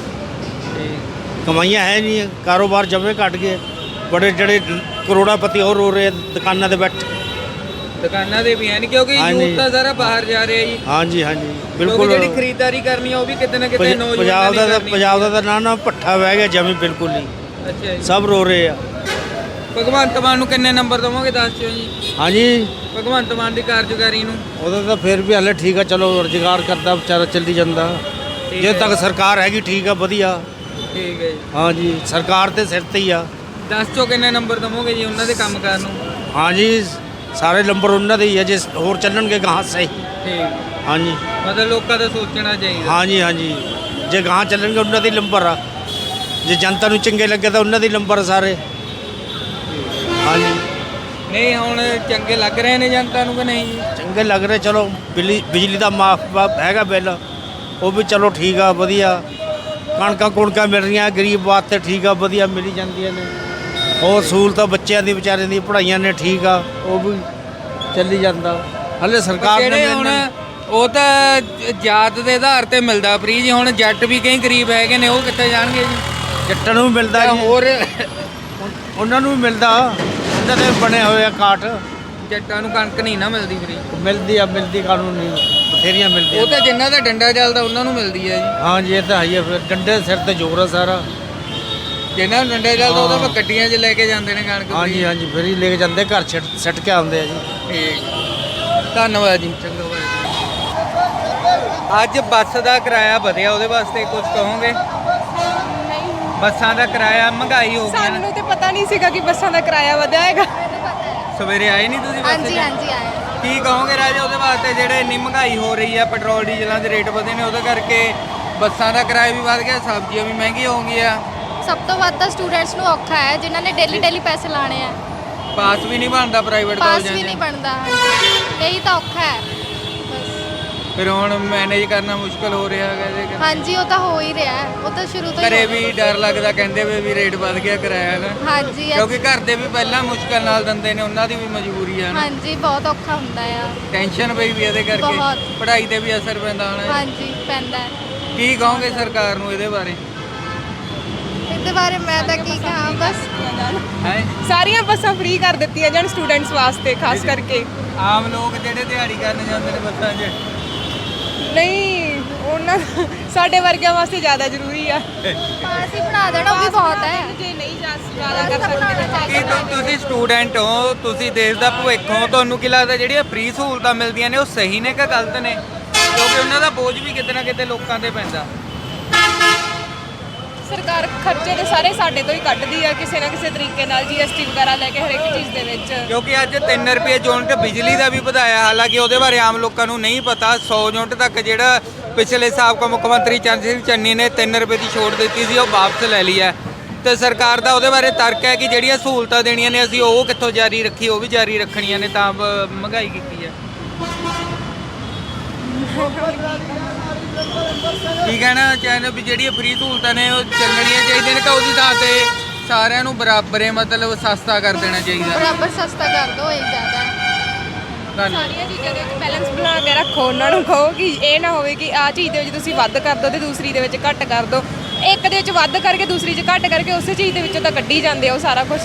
[SPEAKER 5] ਕਮਾਈਆਂ ਹੈ ਨਹੀਂ, ਕਾਰੋਬਾਰ ਜਮੇ ਘਟ ਗਏ। ਬੜੇ ਜਿਹੜੇ ਕਰੋੜਾਪਤੀ ਹੋਰ ਹੋ ਰਹੇ ਦੁਕਾਨਾਂ ਤੇ ਬੈਠੇ।
[SPEAKER 1] ਦੁਕਾਨਾਂ ਦੇ ਵੀ ਹੈ ਨਹੀਂ, ਕਿਉਂਕਿ
[SPEAKER 5] ਹਾਂਜੀ।
[SPEAKER 1] ਯੂਥ ਤਾਂ ਸਾਰਾ ਬਾਹਰ ਜਾ ਰਿਹਾ ਜੀ।
[SPEAKER 5] ਹਾਂ ਜੀ, ਹਾਂ ਜੀ,
[SPEAKER 1] ਕਿਉਂਕਿ
[SPEAKER 5] ਬਿਲਕੁਲ।
[SPEAKER 1] ਜਿਹੜੀ ਖਰੀਦਦਾਰੀ ਕਰਨੀ ਆ ਉਹ ਵੀ ਕਿਤੇ ਨਾ ਕਿਤੇ
[SPEAKER 5] ਪੰਜ-
[SPEAKER 1] ਨੌਜਵਾਨਾਂ
[SPEAKER 5] ਪੰਜਾਬ
[SPEAKER 1] ਦੀ
[SPEAKER 5] ਦਾ ਤਾਂ
[SPEAKER 1] ਕਰਨੀ।
[SPEAKER 5] ਪੰਜਾਬ ਦਾ ਤਾਂ ਨਾ ਨਾ ਭੱਠਾ ਵਹਿ ਗਿਆ ਜਮੀ, ਬਿਲਕੁਲ ਨਹੀਂ।
[SPEAKER 1] ਅੱਛਾ ਜੀ।
[SPEAKER 5] ਸਭ ਰੋ ਰਹੇ ਆ।
[SPEAKER 1] ਭਗਵੰਤ ਮਾਨ ਨੂੰ ਕਿੰਨੇ ਨੰਬਰ ਦਵੋਗੇ ਦੱਸ ਦਿਓ ਜੀ?
[SPEAKER 5] ਹਾਂ ਜੀ,
[SPEAKER 1] ਭਗਵੰਤ ਮਾਨ ਦੀ ਕਾਰਜਕਾਰੀ ਨੂੰ?
[SPEAKER 5] ਉਹਦਾ ਤਾਂ ਫਿਰ ਵੀ ਹਾਲੇ ਠੀਕ ਆ, ਚਲੋ ਰੁਜ਼ਗਾਰ ਕਰਦਾ ਵਿਚਾਰਾ, ਚੱਲੀ ਜਾਂਦਾ।
[SPEAKER 1] ਠੀਕ
[SPEAKER 5] ਜੇ
[SPEAKER 1] ਹੈ।
[SPEAKER 5] ਤੱਕ ਸਰਕਾਰ ਹੈਗੀ ਠੀਕ ਆ, ਵਧੀਆ।
[SPEAKER 1] ਠੀਕ ਹੈ ਜੀ।
[SPEAKER 5] ਹਾਂ ਜੀ, ਸਰਕਾਰ ਤੇ ਸਿਰ ਤੇ ਹੀ ਆ।
[SPEAKER 1] ਦੱਸ ਚੋ ਕਿੰਨੇ ਨੰਬਰ ਦਵੋਗੇ ਜੀ ਉਹਨਾਂ ਦੇ ਕੰਮ ਕਰਨ ਨੂੰ?
[SPEAKER 5] ਹਾਂ ਜੀ, ਸਾਰੇ ਨੰਬਰ ਉਹਨਾਂ ਦੇ ਹੀ ਆ, ਜੇ ਹੋਰ ਚੱਲਣਗੇ ਗਾਹਾਂ ਸਹੀ।
[SPEAKER 1] ਠੀਕ।
[SPEAKER 5] ਹਾਂ ਜੀ,
[SPEAKER 1] ਮਤਲਬ ਲੋਕਾਂ ਦਾ ਸੋਚਣਾ ਚਾਹੀਦਾ।
[SPEAKER 5] ਹਾਂ ਜੀ, ਹਾਂ ਜੀ, ਜੇ ਗਾਹਾਂ ਚੱਲਣਗੇ ਉਹਨਾਂ ਦੇ ਨੰਬਰ ਆ, ਜੇ ਜਨਤਾ ਨੂੰ ਚੰਗੇ ਲੱਗੇ ਤਾਂ ਉਹਨਾਂ ਦੇ ਨੰਬਰ ਆ ਸਾਰੇ। ਹਾਂ ਜੀ,
[SPEAKER 1] ਨਹੀਂ ਹੁਣ ਚੰਗੇ ਲੱਗ ਰਹੇ ਨੇ ਜਨਤਾ ਨੂੰ ਕਿ ਨਹੀਂ ਜੀ?
[SPEAKER 5] ਚੰਗੇ ਲੱਗ ਰਹੇ। ਚਲੋ ਬਿਜਲੀ ਬਿਜਲੀ ਦਾ ਮਾਫ ਹੈਗਾ ਬਿੱਲ, ਉਹ ਵੀ ਚਲੋ ਠੀਕ ਆ, ਵਧੀਆ। ਕਣਕਾਂ ਕੁਣਕਾਂ ਮਿਲ ਰਹੀਆਂ ਗਰੀਬ ਵਾਸਤੇ, ਠੀਕ ਆ, ਵਧੀਆ ਮਿਲੀ ਜਾਂਦੀਆਂ ਨੇ। ਹੋਰ ਸਹੂਲਤਾਂ ਬੱਚਿਆਂ ਦੀ ਵਿਚਾਰਿਆਂ ਦੀ ਪੜ੍ਹਾਈਆਂ ਨੇ, ਠੀਕ ਆ, ਉਹ ਵੀ ਚੱਲੀ ਜਾਂਦਾ। ਹਲੇ ਸਰਕਾਰ ਨੇ
[SPEAKER 1] ਜਿਹੜੇ ਹੁਣ ਉਹ ਤਾਂ ਜ- ਜਾਤ ਦੇ ਆਧਾਰ ਤੇ ਮਿਲਦਾ ਫ੍ਰੀ ਜੀ। ਹੁਣ ਜੱਟ ਵੀ ਕਈ ਗਰੀਬ ਹੈਗੇ ਨੇ, ਉਹ ਕਿੱਥੇ ਜਾਣਗੇ ਜੀ?
[SPEAKER 5] ਜੱਟਾਂ ਨੂੰ ਵੀ ਮਿਲਦਾ
[SPEAKER 1] ਜਾਂ
[SPEAKER 5] ਜੀ,
[SPEAKER 1] ਹੋਰ
[SPEAKER 5] ਉਹਨਾਂ ਨੂੰ ਵੀ ਮਿਲਦਾ, ਉਹਨਾਂ ਦੇ ਬਣੇ ਹੋਏ ਆ ਕਾਰਡ।
[SPEAKER 1] ਜੱਟਾਂ ਨੂੰ ਕਣਕ ਨਹੀਂ ਨਾ ਮਿਲਦੀ ਫ੍ਰੀ।
[SPEAKER 5] ਮਿਲਦੀ ਆ, ਮਿਲਦੀ ਕਾਨੂੰਨ ਨਹੀਂ, ਬਥੇਰੀਆਂ ਮਿਲਦੀਆਂ।
[SPEAKER 1] ਉਹ ਤਾਂ ਜਿਨ੍ਹਾਂ ਦਾ ਡੰਡਾ ਚੱਲਦਾ ਉਹਨਾਂ ਨੂੰ ਮਿਲਦੀ ਹੈ ਜੀ।
[SPEAKER 5] ਹਾਂ ਜੀ, ਇਹ ਤਾਂ ਹੈ ਹੀ ਆ, ਫਿਰ ਡੰਡੇ ਦੇ ਸਿਰ ਤੇ ਜ਼ੋਰ ਆ ਸਾਰਾ।
[SPEAKER 1] ਜਿਨ੍ਹਾਂ ਨੂੰ ਡੰਡਾ ਚੱਲਦਾ ਉਹਦਾ
[SPEAKER 5] ਹਾਂ।
[SPEAKER 1] ਫਿਰ ਗੱਡੀਆਂ 'ਚ ਲੈ ਕੇ ਜਾਂਦੇ ਨੇ ਕਣਕ
[SPEAKER 5] ਹਾਂ ਜੀ, ਹਾਂ ਜੀ, ਫਿਰ ਹੀ ਲੈ ਕੇ ਜਾਂਦੇ, ਘਰ ਛੱਡ ਛੱਡ ਕੇ ਆਉਂਦੇ ਆ ਜੀ।
[SPEAKER 1] ਠੀਕ। ਧੰਨਵਾਦ ਜੀ। ਚੰਗਾ ਬਾਈ। ਅੱਜ ਬੱਸ ਦਾ ਕਿਰਾਇਆ ਵਧਿਆ, ਉਹਦੇ ਵਾਸਤੇ ਕੁਝ ਕਹੋਗੇ? ਬੱਸਾਂ ਦਾ ਕਿਰਾਇਆ ਮਹਿੰਗਾਈ ਹੋ ਗਈ ਹੈ ਨਾ।
[SPEAKER 2] ਸਾਨੂੰ ਤੇ ਪਤਾ ਨਹੀਂ ਸੀਗਾ ਕਿ ਬੱਸਾਂ ਦਾ ਕਿਰਾਇਆ ਵਧਿਆ ਹੈਗਾ।
[SPEAKER 1] ਸਵੇਰੇ ਆਏ ਨਹੀਂ ਤੁਸੀਂ ਬੱਸ 'ਚ?
[SPEAKER 3] ਹਾਂਜੀ ਹਾਂਜੀ ਆਏ।
[SPEAKER 1] ਕੀ ਕਹੋਗੇ ਰਾਜੇ ਉਹਦੇ ਵਾਸਤੇ, ਜਿਹੜੇ ਇੰਨੀ ਮਹਿੰਗਾਈ ਹੋ ਰਹੀ ਆ, ਪੈਟਰੋਲ ਡੀਜ਼ਲਾਂ ਦੇ ਰੇਟ ਵਧੇ ਨੇ, ਉਹਦੇ ਕਰਕੇ ਬੱਸਾਂ ਦਾ ਕਿਰਾਇਆ ਵੀ ਵਧ ਗਿਆ, ਸਬਜ਼ੀਆਂ ਵੀ ਮਹਿੰਗੀਆਂ ਹੋ ਗਈਆਂ।
[SPEAKER 3] ਸਭ ਤੋਂ ਵੱਧ ਤਾਂ ਸਟੂਡੈਂਟਸ ਨੂੰ ਔਖਾ ਹੈ, ਜਿਨ੍ਹਾਂ ਨੇ ਡੇਲੀ ਡੇਲੀ ਪੈਸੇ ਲਾਣੇ ਆ।
[SPEAKER 1] ਪਾਸ ਵੀ ਨਹੀਂ ਬਣਦਾ ਪ੍ਰਾਈਵੇਟ
[SPEAKER 3] ਪਾਸ
[SPEAKER 1] ਕਾਲਜਾਂ
[SPEAKER 3] ਵੀ ਨਹੀਂ
[SPEAKER 1] 'ਚ।
[SPEAKER 3] ਬਣਦਾ। ਹਾਂਜੀ, ਇਹੀ ਤਾਂ ਔਖਾ ਹੈ ਬਸ।
[SPEAKER 1] ਫਿਰ ਹੁਣ ਮੈਨੇਜ ਕਰਨਾ ਮੁਸ਼ਕਲ ਹੋ ਰਿਹਾ ਹੈਗਾ ਇਹਦੇ ਕਰਕੇ।
[SPEAKER 3] ਹਾਂਜੀ, ਉਹ ਤਾਂ ਹੋ ਹੀ ਰਿਹਾ ਹੈ, ਉਹ ਤਾਂ ਸ਼ੁਰੂ ਤੋਂ ਹੀ
[SPEAKER 1] ਘਰੇ
[SPEAKER 3] ਹੋ ਰਿਹਾ।
[SPEAKER 1] ਵੀ ਡਰ ਲੱਗਦਾ, ਕਹਿੰਦੇ ਵੇ ਵੀ ਰੇਟ ਵਧ ਗਿਆ ਕਿਰਾਇਆ ਨਾ।
[SPEAKER 3] ਹਾਂਜੀ
[SPEAKER 1] ਕਿਉਂਕਿ ਘਰ ਦੇ ਵੀ ਪਹਿਲਾਂ ਮੁਸ਼ਕਲ ਨਾਲ ਦਿੰਦੇ ਨੇ, ਉਹਨਾਂ ਦੀ ਵੀ ਮਜਬੂਰੀ ਆ ਨਾ।
[SPEAKER 3] ਹਾਂਜੀ, ਬਹੁਤ ਔਖਾ ਹੁੰਦਾ ਆ।
[SPEAKER 1] ਟੈਨਸ਼ਨ ਪਈ ਵੀ ਇਹਦੇ ਕਰਕੇ,
[SPEAKER 3] ਬਹੁਤ।
[SPEAKER 1] ਪੜ੍ਹਾਈ ਤੇ ਵੀ ਅਸਰ ਪੈਂਦਾ ਹੋਣਾ।
[SPEAKER 3] ਹਾਂਜੀ, ਪੈਂਦਾ ਹੈ।
[SPEAKER 1] ਕੀ ਕਹੋਗੇ ਸਰਕਾਰ ਨੂੰ ਇਹਦੇ ਬਾਰੇ?
[SPEAKER 3] ਇਹਦੇ ਬਾਰੇ ਮੈਂ ਤਾਂ ਕੀ ਕਹਾਂ, ਬਸ
[SPEAKER 1] ਹੈ
[SPEAKER 2] ਸਾਰੀਆਂ ਬੱਸਾਂ ਫ੍ਰੀ ਕਰ ਦਿੱਤੀਆਂ ਜਾਣ ਸਟੂਡੈਂਟਸ ਵਾਸਤੇ, ਖਾਸ ਕਰਕੇ।
[SPEAKER 1] ਆਮ ਲੋਕ ਜਿਹੜੇ ਦਿਹਾੜੀ ਕਰਨ ਜਾਂਦੇ ਨੇ ਬੱਸਾਂ 'ਚ।
[SPEAKER 2] ਨਹੀਂ, ਉਹਨਾਂ ਸਾਡੇ ਵਰਗਿਆਂ ਵਾਸਤੇ ਜ਼ਿਆਦਾ ਜ਼ਰੂਰੀ ਆ
[SPEAKER 3] ਪਾਸ ਹੀ ਬਣਾ ਦੇਣਾ ਉਹ ਵੀ ਬਹੁਤ ਹੈ।
[SPEAKER 2] ਜੇ ਨਹੀਂ ਜਾ ਜ਼ਿਆਦਾ ਕਰ ਸਕਦੇ
[SPEAKER 1] ਕੀ ਤੁ- ਤੁਸੀਂ ਸਟੂਡੈਂਟ ਹੋ, ਤੁਸੀਂ ਦੇਸ਼ ਦਾ ਭਵਿੱਖ ਹੋ, ਤੁਹਾਨੂੰ ਕੀ ਲੱਗਦਾ ਜਿਹੜੀਆਂ ਫ੍ਰੀ ਸਹੂਲਤਾਂ ਮਿਲਦੀਆਂ ਨੇ ਉਹ ਸਹੀ ਨੇ ਕਿ ਗਲਤ ਨੇ? ਕਿਉਂਕਿ ਉਹਨਾਂ ਦਾ ਬੋਝ ਵੀ ਕਿਤੇ ਨਾ ਕਿਤੇ ਲੋਕਾਂ ਤੇ ਪੈਂਦਾ।
[SPEAKER 2] ਸਰਕਾਰ ਖਰਚੇ ਤੇ ਸਾਰੇ ਸਾਡੇ ਤੋਂ ਹੀ ਕੱਢਦੀ ਆ ਕਿਸੇ ਨਾ ਕਿਸੇ ਤਰੀਕੇ ਨਾਲ ਜੀਐਸਟੀ ਵਗੈਰਾ ਲੈ ਕੇ ਹਰ ਇੱਕ ਚੀਜ਼ ਦੇ ਵਿੱਚ।
[SPEAKER 1] ਕਿਉਂਕਿ ਅੱਜ ਤਿੰਨ ਰੁਪਏ ਯੂਨਿਟ ਬਿਜਲੀ ਦਾ ਵੀ ਵਧਾਇਆ, ਹਾਲਾਂਕਿ ਉਹਦੇ ਬਾਰੇ ਆਮ ਲੋਕਾਂ ਨੂੰ ਨਹੀਂ ਪਤਾ। ਸੌ ਯੂਨਿਟ ਤੱਕ ਜਿਹੜਾ ਪਿਛਲੇ ਸਾਬਕਾ ਮੁੱਖ ਮੰਤਰੀ ਚੰਦ ਸਿੰਘ ਚੰਨੀ ਨੇ ਤਿੰਨ ਰੁਪਏ ਦੀ ਛੋਟ ਦਿੱਤੀ ਸੀ ਉਹ ਵਾਪਸ ਲੈ ਲਈ ਹੈ। ਤੇ ਸਰਕਾਰ ਦਾ ਉਹਦੇ ਬਾਰੇ ਤਰਕ ਹੈ ਕਿ ਜਿਹੜੀਆਂ ਸਹੂਲਤਾਂ ਦੇਣੀਆਂ ਨੇ ਅਸੀਂ ਉਹ ਕਿੱਥੋਂ ਜਾਰੀ ਰੱਖੀ, ਉਹ ਵੀ ਜਾਰੀ ਰੱਖਣੀਆਂ ਨੇ, ਤਾਂ ਬ- ਮਹਿੰਗਾਈ ਕੀਤੀ ਹੈ। ਕੀ ਕਹਿਣਾ ਚਾਹੁੰਦੇ ਵੀ ਜਿਹੜੀਆਂ ਫ੍ਰੀ ਸਹੂਲਤਾਂ ਨੇ ਉਹ ਚੱਲਣੀਆਂ ਚਾਹੀਦੀਆਂ ਨੇ ਕਿ ਉਹਦੀ ਥਾਂ ਤੇ ਸਾਰਿਆਂ ਨੂੰ ਬਰਾਬਰ ਮਤਲਬ ਸਸਤਾ ਕਰ ਦੇਣਾ ਚਾਹੀਦਾ?
[SPEAKER 3] ਬਰਾਬਰ ਸਸਤਾ ਕਰ ਦੋ ਇਹ ਜ਼ਿਆਦਾ।
[SPEAKER 1] ਧੰਨਵਾਦ।
[SPEAKER 2] ਸਾਰੀਆਂ ਚੀਜ਼ਾਂ ਦੇ ਵਿੱਚ ਬੈਲੈਂਸ ਬਣਾ ਕੇ ਰੱਖੋ, ਉਹਨਾਂ ਨੂੰ ਕਹੋ ਕਿ ਇਹ ਨਾ ਹੋਵੇ ਕਿ ਆਹ ਚੀਜ਼ ਦੇ ਵਿੱਚ ਤੁਸੀਂ ਵੱਧ ਕਰ ਦਿਓ ਤੇ ਦੂਸਰੀ ਦੇ ਵਿੱਚ ਘੱਟ ਕਰ ਦਿਓ। ਇੱਕ ਦੇ ਵਿੱਚ ਵੱਧ ਕਰਕੇ ਦੂਸਰੀ 'ਚ ਘੱਟ ਕਰਕੇ ਉਸੇ ਚੀਜ਼ ਦੇ ਵਿੱਚੋਂ ਤਾਂ ਕੱਢੀ ਜਾਂਦੇ ਆ ਉਹ ਸਾਰਾ ਕੁਝ।
[SPEAKER 1] ਜੀ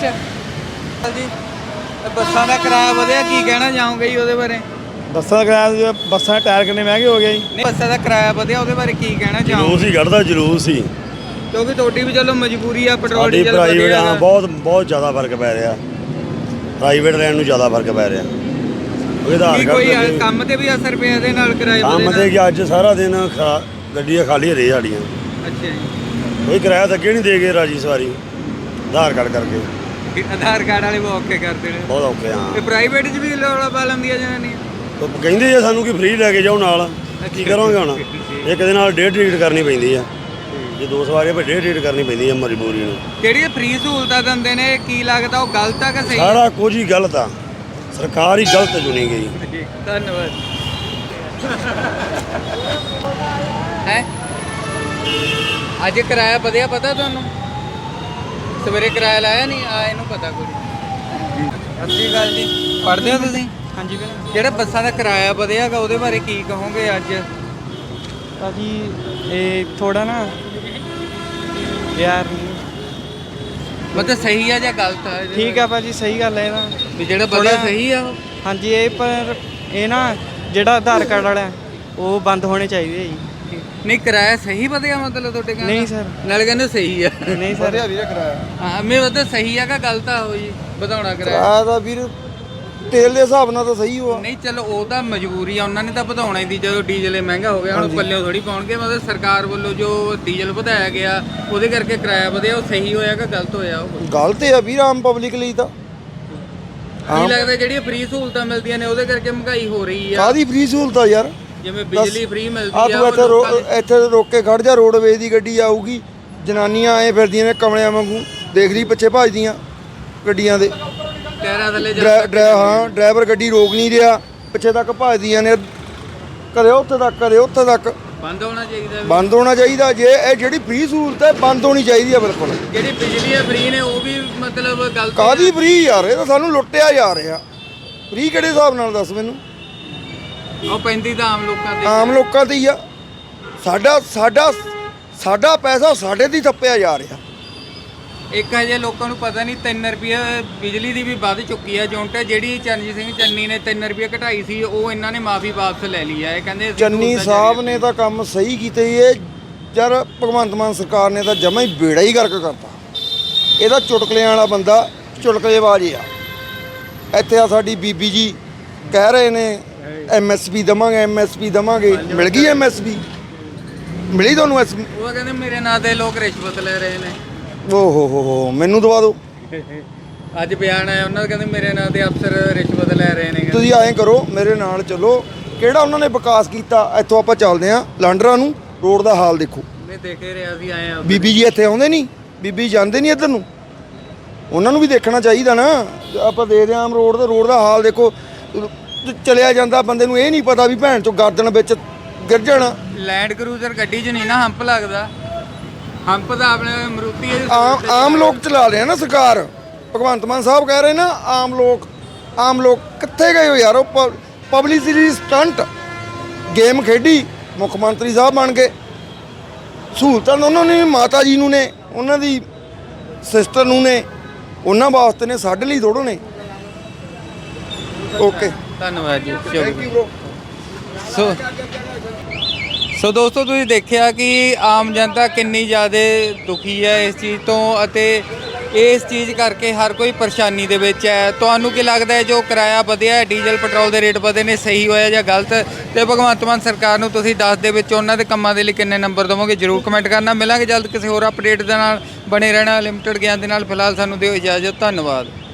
[SPEAKER 1] ਇਹ ਬੱਸਾਂ ਦਾ ਕਿਰਾਇਆ ਵਧਿਆ, ਕੀ ਕਹਿਣਾ ਚਾਹੋਗੇ ਜੀ ਉਹਦੇ ਬਾਰੇ?
[SPEAKER 8] ਬੱਸਾਂ ਦਾ ਕਿਰਾਇਆ, ਬੱਸਾਂ ਦੇ ਟਾਇਰ ਕਿੰਨੇ ਮਹਿੰਗੇ ਹੋ ਗਏ ਜੀ।
[SPEAKER 1] ਨਹੀਂ, ਬੱਸਾਂ ਦਾ ਕਿਰਾਇਆ ਵਧਿਆ, ਉਹਦੇ ਬਾਰੇ ਕੀ ਕਹਿਣਾ
[SPEAKER 9] ਜਲੂਸ
[SPEAKER 1] ਚਾਹੋਗੇ?
[SPEAKER 9] ਹੀ ਕੱਢਦਾ ਜਲੂਸ ਹੀ।
[SPEAKER 1] ਕਿਉਂਕਿ ਤੁਹਾਡੀ ਵੀ ਚਲੋ ਮਜਬੂਰੀ ਆ, ਪੈਟਰੋਲ
[SPEAKER 9] ਸਾਡੀ
[SPEAKER 1] ਡੀਜ਼ਲ
[SPEAKER 9] ਪ੍ਰਾਈਵੇਟ
[SPEAKER 1] ਵਧਿਆ
[SPEAKER 9] ਹਾਂ
[SPEAKER 1] ਗਾ।
[SPEAKER 9] ਬਹੁਤ ਬਹੁਤ ਜ਼ਿਆਦਾ ਫਰਕ ਪੈ ਰਿਹਾ। ਪ੍ਰਾਈਵੇਟ ਲੈਣ ਨੂੰ ਜ਼ਿਆਦਾ ਫਰਕ ਪੈ ਰਿਹਾ। ਉਹਦੇ ਆਧਾਰ
[SPEAKER 1] ਕੀ ਕੋਈ
[SPEAKER 9] ਕਾਰਡ ਤੇ-
[SPEAKER 1] ਕੰਮ ਤੇ ਵੀ ਅਸਰ ਪਿਆ ਇਹਦੇ ਨਾਲ ਕਿਰਾਏ
[SPEAKER 9] ਕੰਮ
[SPEAKER 1] ਵਧੇ
[SPEAKER 9] ਤੇ
[SPEAKER 1] ਨਾਲ?
[SPEAKER 9] ਕਿ ਅੱਜ ਸਾਰਾ ਦਿਨ ਖਾ- ਗੱਡੀਆਂ ਖਾਲੀ ਰਹੀ ਸਾਡੀਆਂ।
[SPEAKER 1] ਅੱਛਾ ਜੀ।
[SPEAKER 9] ਕੋਈ ਕਿਰਾਇਆ ਤਾਂ ਅੱਗੇ ਨਹੀਂ ਦੇ ਗਏ ਰਾਜੀ ਸਵਾਰੀ ਆਧਾਰ ਕਾਰਡ ਕਰਕੇ।
[SPEAKER 1] ਇਹ ਆਧਾਰ ਕਾਰਡ ਵਾਲੇ ਬਹੁਤ ਔਖੇ ਕਰਦੇ ਨੇ।
[SPEAKER 9] ਬਹੁਤ ਔਖੇ ਹਾਂ।
[SPEAKER 1] ਤੇ ਪ੍ਰਾਈਵੇਟ 'ਚ ਵੀ ਰੌਲਾ ਪਾ ਲੈਂਦੀਆਂ ਜਨਾਨੀਆਂ।
[SPEAKER 9] ਉਹ ਕਹਿੰਦੇ ਆ ਸਾਨੂੰ ਕਿ ਫ੍ਰੀ ਲੈ ਕੇ ਜਾਓ ਨਾਲ। ਕੀ ਕਰਾਂਗੇ ਹੁਣ? ਇੱਕ ਦੇ ਨਾਲ ਡੇਢ ਟਿਕਟ ਕਰਨੀ ਪੈਂਦੀ ਆ। ਜੇ ਦੋ ਸਵਾਰੀਆਂ ਪਰ ਡੇਢ ਟਿਕਟ ਕਰਨੀ ਪੈਂਦੀ ਆ ਮਜਬੂਰੀ ਨੂੰ।
[SPEAKER 1] ਜਿਹੜੀਆਂ ਫ੍ਰੀ ਸਹੂਲਤਾਂ ਦਿੰਦੇ ਨੇ ਕੀ ਲੱਗਦਾ ਉਹ ਗਲਤ ਆ ਕਿ ਸਹੀ?
[SPEAKER 9] ਸਾਰਾ ਕੁਝ ਹੀ ਗਲਤ ਆ। ਸਰਕਾਰ ਹੀ ਗਲਤ ਚੁਣੀ ਗਈ।
[SPEAKER 1] ਜੀ, ਧੰਨਵਾਦ। ਹੈ ਅੱਜ ਕਿਰਾਇਆ ਵਧਿਆ, ਪਤਾ ਤੁਹਾਨੂੰ? ਸਵੇਰੇ ਕਿਰਾਇਆ ਲਾਇਆ ਨਹੀਂ ਆ, ਇਹਨੂੰ ਪਤਾ ਕੋਈ ਨਹੀਂ। ਸਤਿ ਗੱਲ ਜੀ, ਪੜ੍ਹਦੇ ਹੋ ਤੁਸੀਂ?
[SPEAKER 8] ਹਾਂਜੀ ਵੀਰ।
[SPEAKER 1] ਜਿਹੜਾ ਬੱਸਾਂ ਦਾ ਕਿਰਾਇਆ ਵਧਿਆਗਾ ਉਹਦੇ ਬਾਰੇ ਕੀ ਕਹੋਗੇ ਅੱਜ?
[SPEAKER 8] ਭਾਜੀ ਇਹ ਥੋੜਾ ਨਾ ਯਾਰ
[SPEAKER 1] ਮਤਲਬ ਸਹੀ ਆ ਜਾਂ ਗਲਤ ਆ? ਇਹਦੇ
[SPEAKER 8] ਠੀਕ ਆ ਭਾਜੀ, ਸਹੀ ਗੱਲ ਹੈ ਇਹਦਾ।
[SPEAKER 1] ਵੀ ਜਿਹੜਾ ਵਧਿਆ
[SPEAKER 8] ਥੋੜ੍ਹਾ-
[SPEAKER 1] ਸਹੀ ਆ ਉਹ?
[SPEAKER 8] ਹਾਂਜੀ ਇਹ ਪਰ ਇਹ ਨਾ ਜਿਹੜਾ ਆਧਾਰ ਕਾਰਡ ਵਾਲਾ ਹੈ, ਉਹ ਬੰਦ ਹੋਣੇ ਚਾਹੀਦੇ ਆ ਜੀ।
[SPEAKER 1] ਨਹੀਂ, ਕਿਰਾਇਆ ਸਹੀ ਵਧਿਆ ਮਤਲਬ ਤੁਹਾਡੇ ਕਹਿੰਦੇ?
[SPEAKER 8] ਨਹੀਂ ਸਰ।
[SPEAKER 1] ਨਾਲੇ ਕਹਿੰਦੇ ਸਹੀ ਆ।
[SPEAKER 8] ਨਹੀਂ ਸਰ।
[SPEAKER 7] ਵੀਰੇ ਕਿਰਾਇਆ
[SPEAKER 1] ਹਾਂ, ਮੈਂ ਉਹਦਾ ਸਹੀ ਆ ਕਿ ਗਲਤ ਆ ਉਹ ਜੀ ਵਧਾਉਣਾ ਕਿਰਾਇਆ?
[SPEAKER 8] ਕਿਰਾਇਆ ਦਾ ਵੀਰ ਤੇਲ ਦੇ ਹਿਸਾਬ ਨਾਲ ਤਾਂ ਸਹੀ ਹੋਆ।
[SPEAKER 1] ਨਹੀਂ ਚਲੋ ਉਹ ਤਾਂ ਮਜਬੂਰੀ ਆ, ਉਹਨਾਂ ਨੇ ਤਾਂ ਵਧਾਉਣਾ ਹੀ ਦੀ। ਜਦੋਂ ਡੀਜ਼ਲ ਇਹ ਮਹਿੰਗਾ ਹੋ ਗਿਆ ਹੁਣ ਪੱਲਿਓ ਥੋੜੀ ਪਾਉਣਗੇ। ਮਤਲਬ ਸਰਕਾਰ ਵੱਲੋਂ ਜੋ ਡੀਜ਼ਲ ਵਧਾਇਆ ਗਿਆ ਉਹਦੇ ਕਰਕੇ ਕਿਰਾਇਆ ਵਧਿਆ, ਉਹ ਸਹੀ ਹੋਇਆ ਕਿ ਗਲਤ ਹੋਇਆ? ਉਹ
[SPEAKER 8] ਗਲਤ ਆ ਵੀਰ ਆਮ ਪਬਲਿਕ ਲਈ ਤਾਂ।
[SPEAKER 1] ਕੀ ਲੱਗਦਾ ਜਿਹੜੀਆਂ ਫ੍ਰੀ ਸਹੂਲਤਾਂ ਮਿਲਦੀਆਂ ਨੇ ਉਹਦੇ ਕਰਕੇ ਮਹਿੰਗਾਈ ਹੋ ਰਹੀ ਆ?
[SPEAKER 8] ਕਾਦੀ ਫ੍ਰੀ ਸਹੂਲਤ ਆ ਯਾਰ?
[SPEAKER 1] ਜਿਵੇਂ ਬਿਜਲੀ ਫ੍ਰੀ ਮਿਲਦੀ
[SPEAKER 8] ਆ
[SPEAKER 1] ਆ
[SPEAKER 8] ਤੂੰ
[SPEAKER 1] ਉਹ
[SPEAKER 8] ਇੱਥੇ ਰੋ-
[SPEAKER 1] ਲੋਕਾਂ ਦੇ-
[SPEAKER 8] ਇੱਥੇ ਰੋਕ ਕੇ ਖੜ ਜਾ, ਰੋਡਵੇਜ਼ ਦੀ ਗੱਡੀ ਆਊਗੀ, ਜਨਾਨੀਆਂ ਐ ਫਿਰਦੀਆਂ ਨੇ ਕਮਲਿਆਂ ਵਾਂਗੂ, ਦੇਖਦੀ ਪਿੱਛੇ ਭੱਜਦੀਆਂ ਗੱਡੀਆਂ ਦੇ।
[SPEAKER 1] ਟਾਇਰਾਂ ਥੱਲੇ ਜਾ
[SPEAKER 8] ਡਰਾ- ਡਰਾ- ਹਾਂ ਡਰਾਈਵਰ ਗੱਡੀ ਰੋਕ ਨਹੀਂ ਰਿਹਾ, ਪਿੱਛੇ ਤੱਕ ਭੱਜਦੀਆਂ ਨੇ, ਕਦੇ ਉੱਥੇ ਤੱਕ ਕਦੇ ਉੱਥੇ ਤੱਕ।
[SPEAKER 1] ਬੰਦ ਹੋਣਾ ਚਾਹੀਦਾ ਵੀ।
[SPEAKER 8] ਬੰਦ ਹੋਣਾ ਚਾਹੀਦਾ। ਜੇ ਇਹ ਜਿਹੜੀ ਫ੍ਰੀ ਸਹੂਲਤ ਹੈ ਬੰਦ ਹੋਣੀ ਚਾਹੀਦੀ ਹੈ ਬਿਲਕੁਲ।
[SPEAKER 1] ਜਿਹੜੀ ਬਿਜਲੀ ਆ ਫ੍ਰੀ ਨੇ ਉਹ ਵੀ ਮਤਲਬ ਗਲਤ
[SPEAKER 8] ਕਾਦੀ ਫ੍ਰੀ ਯਾਰ? ਇਹ ਤਾਂ ਸਾਨੂੰ ਲੁੱਟਿਆ ਜਾ ਰਿਹਾ। ਫ੍ਰੀ ਕਿਹੜੇ ਹਿਸਾਬ ਨਾਲ ਦੱਸ ਮੈਨੂੰ?
[SPEAKER 1] ਉਹ ਪੈਂਦੀ ਤਾਂ ਆਮ ਲੋਕਾਂ ਤੇ।
[SPEAKER 8] ਆਮ ਲੋਕਾਂ ਤੇ ਹੀ ਆ। ਸਾਡਾ ਸਾਡਾ ਸਾਡਾ ਪੈਸਾ ਸਾਡੇ ਤੇ ਹੀ ਥੱਪਿਆ ਜਾ ਰਿਹਾ।
[SPEAKER 1] ਇੱਕ ਹਜੇ ਲੋਕਾਂ ਨੂੰ ਪਤਾ ਨਹੀਂ ਤਿੰਨ ਰੁਪਏ ਬਿਜਲੀ ਦੀ ਵੀ ਵੱਧ ਚੁੱਕੀ ਹੈ ਯੂਨਿਟ। ਜਿਹੜੀ ਚਰਨਜੀਤ ਸਿੰਘ ਚੰਨੀ ਨੇ ਤਿੰਨ ਰੁਪਏ ਘਟਾਈ ਸੀ ਉਹ ਇਹਨਾਂ ਨੇ ਮਾਫੀ ਵਾਪਸ ਲੈ ਲਈ ਹੈ। ਇਹ ਕਹਿੰਦੇ ਅਸੀਂ
[SPEAKER 8] ਚੰਨੀ
[SPEAKER 1] ਸਹੂਲਤਾਂ
[SPEAKER 8] ਸਾਹਿਬ
[SPEAKER 1] ਜਾਰੀ
[SPEAKER 8] ਨੇ ਤਾਂ ਕੰਮ ਸਹੀ ਕੀਤੇ ਹੀ। ਇਹ ਯਾਰ ਭਗਵੰਤ ਮਾਨ ਸਰਕਾਰ ਨੇ ਤਾਂ ਜਮਾ ਹੀ ਬੇੜਾ ਹੀ ਗਰਕ ਕਰਤਾ। ਇਹਦਾ ਚੁਟਕਲਿਆਂ ਵਾਲਾ ਬੰਦਾ ਚੁਟਕਲੇਬਾਜ਼ ਆ। ਇੱਥੇ ਆ ਸਾਡੀ ਬੀਬੀ ਜੀ ਕਹਿ ਰਹੇ ਨੇ ਐਮਐਸਪੀ ਦਵਾਂਗੇ, ਐਮਐਸਪੀ ਦਵਾਂਗੇ। ਮਿਲ ਗਈ ਐਮਐਸਪੀ? ਮਿਲੀ ਤੁਹਾਨੂੰ ਐਸ?
[SPEAKER 1] ਉਹ ਕਹਿੰਦੇ ਮੇਰੇ ਨਾਂ ਤੇ ਲੋਕ ਰਿਸ਼ਵਤ ਲੈ ਰਹੇ ਨੇ।
[SPEAKER 8] ਓ ਹੋ ਹੋ ਹੋ ਮੈਨੂੰ ਦਵਾ ਦਿਓ।
[SPEAKER 1] ਅੱਜ ਬਿਆਨ ਆਇਆ ਉਹਨਾਂ ਦਾ, ਕਹਿੰਦੇ ਮੇਰੇ ਨਾਂ ਤੇ ਅਫਸਰ ਰਿਸ਼ਵਤ ਲੈ ਰਹੇ ਨੇ।
[SPEAKER 8] ਤੁਸੀਂ ਐਂ ਕਰੋ, ਮੇਰੇ ਨਾਲ ਚੱਲੋ। ਕਿਹੜਾ ਉਹਨਾਂ ਨੇ ਵਿਕਾਸ ਕੀਤਾ? ਇੱਥੋਂ ਆਪਾਂ ਚੱਲਦੇ ਆਂ ਲਾਂਡਰਾ ਨੂੰ, ਰੋਡ ਦਾ ਹਾਲ ਦੇਖੋ।
[SPEAKER 1] ਨਹੀਂ ਦੇਖ ਹੀ ਰਿਹਾ ਸੀ, ਆਏ ਆ।
[SPEAKER 8] ਬੀਬੀ ਜੀ ਇੱਥੇ ਆਉਂਦੇ ਨਹੀਂ? ਬੀਬੀ ਜਾਂਦੇ ਨਹੀਂ ਇੱਧਰ ਨੂੰ? ਉਹਨਾਂ ਨੂੰ ਵੀ ਦੇਖਣਾ ਚਾਹੀਦਾ ਨਾ। ਆਪਾਂ ਦੇਖਦੇ ਆਂ ਆਮ ਰੋਡ ਤੇ, ਰੋਡ ਦਾ ਹਾਲ ਦੇਖੋ। ਚਲਿਆ ਜਾਂਦਾ ਬੰਦੇ ਨੂੰ ਇਹ ਨਹੀਂ ਪਤਾ ਵੀ ਭੈਣ ਚੋਂ ਗਰਦਨ ਵਿੱਚ ਗਿਰ ਜਾਣਾ।
[SPEAKER 1] ਲੈਂਡ ਕਰੂਜ਼ਰ ਗੱਡੀ 'ਚ ਨਹੀਂ ਨਾ ਹੰਪ ਲੱਗਦਾ। ਹੰਪ ਤਾਂ ਆਪਣੇ ਮਰੂਤੀ ਹੈ।
[SPEAKER 8] ਆਮ ਆਮ ਲੋਕ ਚਲਾ ਰਹੇ ਆ ਨਾ ਸਰਕਾਰ। ਭਗਵੰਤ ਮਾਨ ਸਾਹਿਬ ਕਹਿ ਰਹੇ ਨਾ ਆਮ ਲੋਕ। ਆਮ ਲੋਕ ਕਿੱਥੇ ਗਏ ਹੋ ਯਾਰ? ਉਹ ਪਬਲਿਸਿਟੀ ਸਟੰਟ ਗੇਮ ਖੇਡੀ, ਮੁੱਖ ਮੰਤਰੀ ਸਾਹਿਬ ਬਣ ਗਏ। ਸਹੂਲਤਾਂ ਉਹਨਾਂ ਨੇ ਮਾਤਾ ਜੀ ਨੂੰ ਨੇ, ਉਹਨਾਂ ਦੀ ਸਿਸਟਰ ਨੂੰ ਨੇ, ਉਹਨਾਂ ਵਾਸਤੇ ਨੇ, ਸਾਡੇ ਲਈ ਥੋੜ੍ਹੋ ਨੇ। ਓਕੇ
[SPEAKER 1] ਧੰਨਵਾਦ ਜੀ।
[SPEAKER 8] Thank you bro.
[SPEAKER 1] So so ਦੋਸਤੋ ਤੁਸੀਂ ਦੇਖਿਆ ਕਿ ਆਮ ਜਨਤਾ ਕਿੰਨੀ ਜ਼ਿਆਦਾ ਦੁਖੀ ਹੈ ਇਸ ਚੀਜ਼ ਤੋਂ ਅਤੇ ਇਸ ਚੀਜ਼ ਕਰਕੇ ਹਰ ਕੋਈ ਪਰੇਸ਼ਾਨੀ ਦੇ ਵਿੱਚ ਹੈ। ਤੁਹਾਨੂੰ ਕੀ ਲੱਗਦਾ ਹੈ ਜੋ ਕਿਰਾਇਆ ਵਧਿਆ ਹੈ, ਡੀਜ਼ਲ ਪੈਟਰੋਲ ਦੇ ਰੇਟ ਵਧੇ ਨੇ, ਸਹੀ ਹੋਇਆ ਜਾਂ ਗਲਤ? ਤੇ ਭਗਵੰਤ ਮਾਨ ਸਰਕਾਰ ਨੂੰ ਤੁਸੀਂ ਦਸ ਦੇ ਵਿੱਚ ਉਹਨਾਂ ਦੇ ਕੰਮਾਂ ਦੇ ਲਈ ਕਿੰਨੇ ਨੰਬਰ ਦੇਵੋਗੇ? ਜ਼ਰੂਰ ਕਮੈਂਟ ਕਰਨਾ। ਮਿਲਾਂਗੇ ਜਲਦ ਕਿਸੇ ਹੋਰ ਅਪਡੇਟ ਦੇ ਨਾਲ। ਬਣੇ ਰਹਿਣਾ ਲਿਮਟਿਡ ਗਿਆਨ ਦੇ ਨਾਲ। ਫਿਲਹਾਲ ਸਾਨੂੰ ਦਿਓ ਇਜਾਜ਼ਤ। ਧੰਨਵਾਦ।